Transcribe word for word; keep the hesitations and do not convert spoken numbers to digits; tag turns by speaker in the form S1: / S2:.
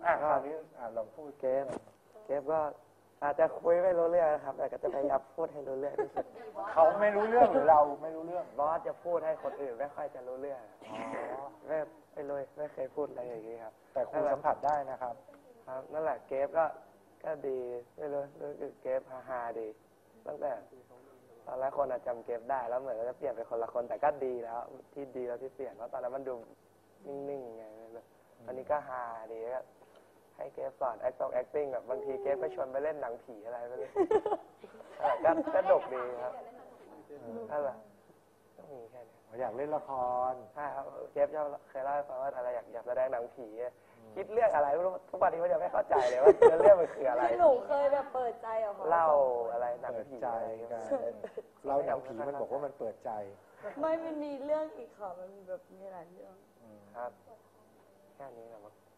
S1: อ่ะคราวนี้อ่ะลองพูด
S2: เกฟเกฟก็อาจจะคุยไม่รู้เรื่องนะครับแต่ก็จะพยายามพูดให้รู้เรื่องที่สุด
S1: เขาไม่รู้เรื่องหรือเราไม่รู้เรื่อง
S2: บอสจะพูดให้คนอื่นไม่ค่อยจะรู้เรื่องอ๋อไม่ไม่รู้ไม่เคยพูดอะไรอย่างนี้ครับ
S1: แต่ครูสัมผัสได้นะครับ
S2: ครับนั่นแหละเกฟก็ก็ดีไม่รู้รู้สึกเกฟฮาฮาดีตั้งแต่ตอนแรกคนอาจจำเกฟได้แล้วเหมือนจะเปลี่ยนเป็นคนละคนแต่ก็ดีแล้วที่ดีแล้วที่เปลี่ยนเพราะตอนนั้นมันดูนิ่งๆไงอันนี้ก็ฮาดีก็ให้เกฟสอน acting acting แบบบางทีเกฟก็ชวนไปเล่นหนังผีอะไรไปเลยก็ก็ดกดีครับนั่นแหละก็มีแค่นี้
S1: อยากเล่นละคร
S2: ใช่ครับเกฟเคยเล่าให้ฟังว่าอะไรอยากอยากแสดงหนังผีคิดเรื่องอะไรไม่รู้ทุกวันนี้มันยังไม่เข้าใจเลยว่าเรื่องมันคืออะไร
S3: หนูเคยแบบเปิดใจเหรอ
S2: เล่าอะไรหนังผี
S1: ใจกันเล่าหนังผีมันบอกว่ามันเปิดใจ
S3: ไม่มันมีเรื่องอีกค่ะมันมีแบบมีหลายเรื่อง
S2: ครับแค่นี้แหละมั้ง